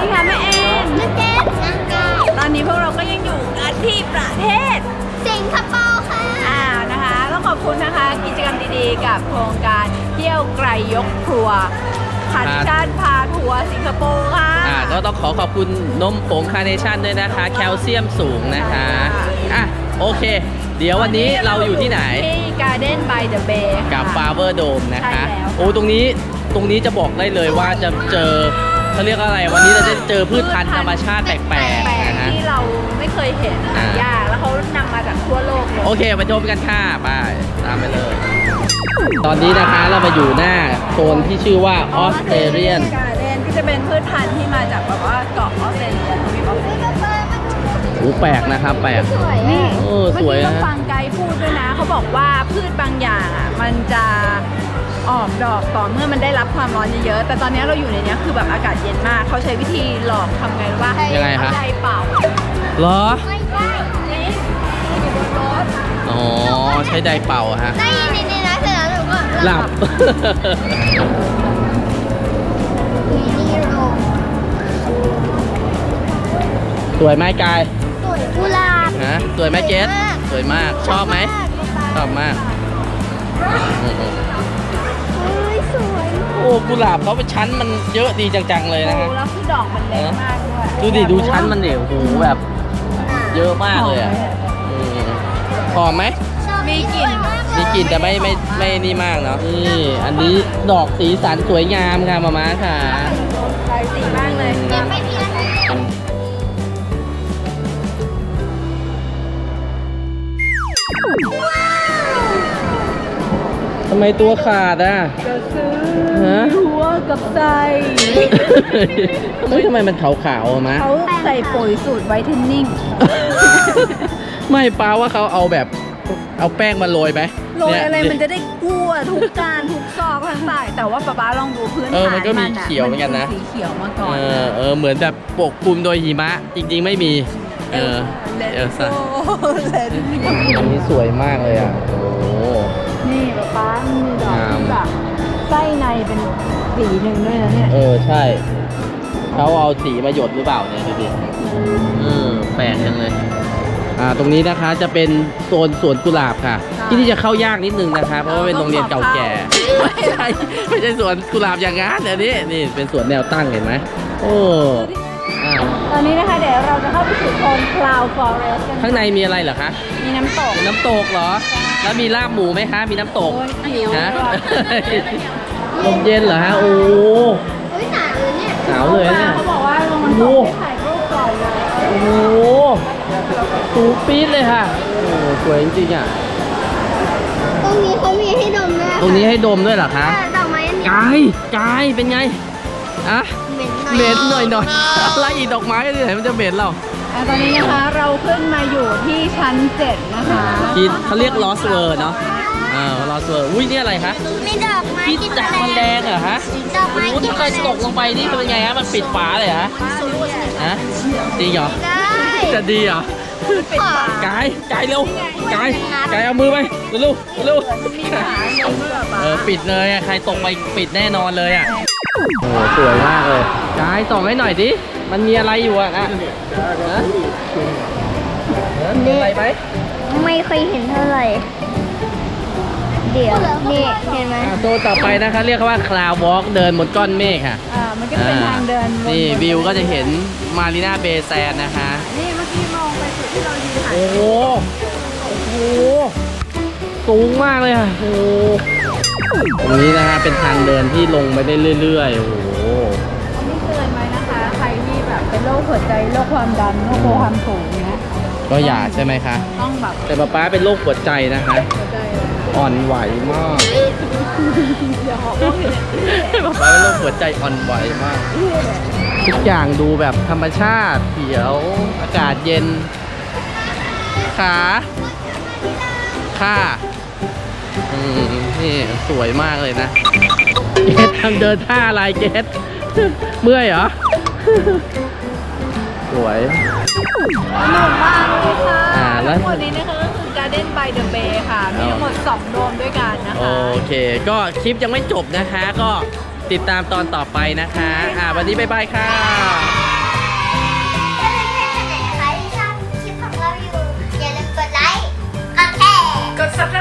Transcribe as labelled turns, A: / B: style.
A: ดีค่ะแม่แอนแม่เจนตอนนี้พวกเราก็ยังอยู่กันที่ประเทศสิงคโปร์ค่ะนะคะต้องขอบคุณนะคะกิจกรรมดีๆกับโครงการเที่ยวไกลยกครัวคาร์เนชั่นพาทัวร์สิงคโปร์ค่ะ
B: ก็ต้องขอบคุณนมผงคาร์เนชั่นด้วยนะคะแคลเซียมสูงนะคะโอเคเดี๋ยววันนี้เราอยู่ที่ไหน
A: ที่ Garden by the Bay
B: กับ Flower Dome นะคะโอ้ตรงนี้จะบอกได้เลยว่าจะเจอเขาเรียกอะไรวันนี้เราจะเจอพืชพันธุ์ธรรมชาติแปลกๆนะฮะ
A: ที่เราไม่เคยเห็นยากแล้วเขานำมาจากทั่วโลกเลย
B: โอเคไปชมกันค่ะไปตามไปเลย ตอนนี้นะคะเรามาอยู่หน้าโซนที่ชื่อว่าออสเตรเลียน
A: การ์เด้นที่จะเป็นพืชพันธุ์ที่มาจากแบบว่าเกาะออสเตรเลียทวีปออสเตรเลีย
B: แปลกนะครับแปลก
A: นี่
B: สวย
A: นะฟังไกด์พูดด้วยนะเขาบอกว่าพืชบางอย่างมันจะออกดอกต่อเมื่อมันได้รับความร้อนเยอะๆแต่ตอนนี้เราอยู่ในนี้คือแบบอากาศเย็นมากเขาใช้วิธีหลอกทำไงว่า
B: ยังไงคะ
A: ไดเป่า
B: เหรอ
A: ไม่ใช่นี่อยู่บนรถ
B: อ๋อใช้ไดเป่าฮะ
A: ได้ยินนี่นะเสร็จแล้วหนูก็
B: หลับสวยไหมกาย
A: สวยกุหลาบ
B: สวยไหมเจสสวยมากชอบไหมชอบมาก
A: สวย
B: โอ้กุหลาบเขาเป็นชั้นมันเยอะดีจังๆเลยนะฮะ
A: แล้วคือดอกมันเล็กมาก
B: ด้วยดูชั้นมันเดี่ยวโอ้โหแบบเยอะมากเลยอ่ะหอมไหม
A: มีก
B: ลิ่นแต่ไม่นี่มากเนาะนี่อันนี้ดอกสีสันสวยงามค่ะมาม่าค่ะ
A: หลายสีมากเลย
B: ทำไมตัวขาดอ่ะ
A: จะซื้อหัวกับไส้
B: ทำไมมันขาวๆมะ
A: เขาใส่ปุ๋ยสูตรไวท์เทนนิ่ง
B: ไม่ป้าว่าเขาเอาแบบเอาแป้งมาโรยไหม
A: โรยอะไรมันจะได้กู้ทุกการทุกซอกทั้งสายแต่ว่าป๊าลองดูพื้นฐาน
B: มันก็มีเขียวเหมือนกันนะ
A: สีเขียวมาก่อน
B: เหมือนแบบปกคลุมโดยหิมะจริงๆไม่มี
A: ซ่
B: นี่สวยมากเลยอ่ะโอ้
A: นี่ป๊ามีดอกที่แบบไส้ในเป็นสีหนึ่งด้วยนะเนี่ย
B: ใช่เขาเอาสีมาหยดหรือเปล่าเนี่ยดูดิแปลกจังเลยตรงนี้นะคะจะเป็นโซนสวนกุหลาบค่ะที่นี่จะเข้ายากนิดนึงนะคะเพราะว่าเป็นโรงเรียนเก่าแก่ไม่ใช่สวนกุหลาบอย่างงั้นเดี๋ยวนี้นี่เป็นสวนแนวตั้งเห็นไหม
A: ตอนนี้นะคะเดี๋ยวเราจะเข้าไปสู่โซน Cloud Forest กัน
B: ข้างในมีอะไรเหรอคะ
A: มีน้ำต
B: กเหรอแล้วมีลาบหมูไหมคะมีน้ำตกนะลมเย็นเหรอฮะโอ้หนาวเลยเนี่ย
A: เขาบอกว่าลงมันตกถ่ายรูปก่อนเลย
B: โอ้โหสูงปี๊ดเลยค่ะโอ้สวยจริงๆอ่ะ
A: ตรงนี้เขามีให้ดมด้วย
B: ตรงนี้ให้ดมด้วยเหรอคะ
A: ดอกไม้
B: กายเป็นไงเหม็นหน่อยอะไรอีกดอกไม้ที่ไหนมันจะเหม็นเรา
A: ตอนนี้นะคะเราขึ้นมาอยู่ที่ชั้น7นะคะ
B: เขาเรียกลอสเวอร์เนาะลอสเวอร์อุ้ยนี่อะไรคะ
A: มีดอกไม้
B: ที่จักมันแดงเหรอฮะ
A: ดอกไม้
B: ที่เคยตกลงไปนี่เป็นไงฮะมันปิดฝาเลยฮะดีเหรอจะดีเหรอกายเร็วกายเอามือไปเร็วปิดเลยใครตกไปปิดแน่นอนเลยอ่ะโอ้สวยมากเลยกายส่องให้หน่อยดิมันมีอะไรอยู่อ่ะมีอะไรไหม
A: ไม่เคยเห็นเท่าไหร่เดี๋ยวนี่เห็นไหม
B: โซนต่อไปนะคะเรียกว่า Cloud Walk เดินบนก้อนเมฆค่ะ
A: มันก็เป็นทางเดิน
B: นี่วิวก็จะเห็นมารีนาเบย์แซนนะคะ
A: นี่เมื่อกี้มองไปสุดที่เรายืนถ่าย
B: โอ้โหสูงมากเลยค่ะโอ้ตรงนี้นะคะเป็นทางเดินที่ลงไปได้เรื่อยๆโอ้โห
A: นี่เตือนไหมนะคะใครที่แบบเป็นโรคหัวใจโรคความดันโรคความสูงนะ
B: ก็อย่าใช่ไหมคะ
A: ต้องแบบ
B: แต่ป๊าเป็นโรคหัวใจนะคะอ่อนไหวมากป๊าเป็นโรคหัวใจอ่อนไหวมากทุกอย่างดูแบบธรรมชาติเขียวอากาศเย็นค่ะนี่สวยมากเลยนะเกสทำเดินท่าอะไรเกสเมื่อยเหรอสวย
A: สนุกมากเลยค่ะทั้งหมดนี้นะคะก็คือ Garden by the Bay ค่ะมีทั้งหมด2โดมด้วยกันนะคะ
B: โอเคก็คลิปยังไม่จบนะคะก็ติดตามตอนต่อไปนะคะวันนี้บ๊ายบายค่ะ
A: กด subscribe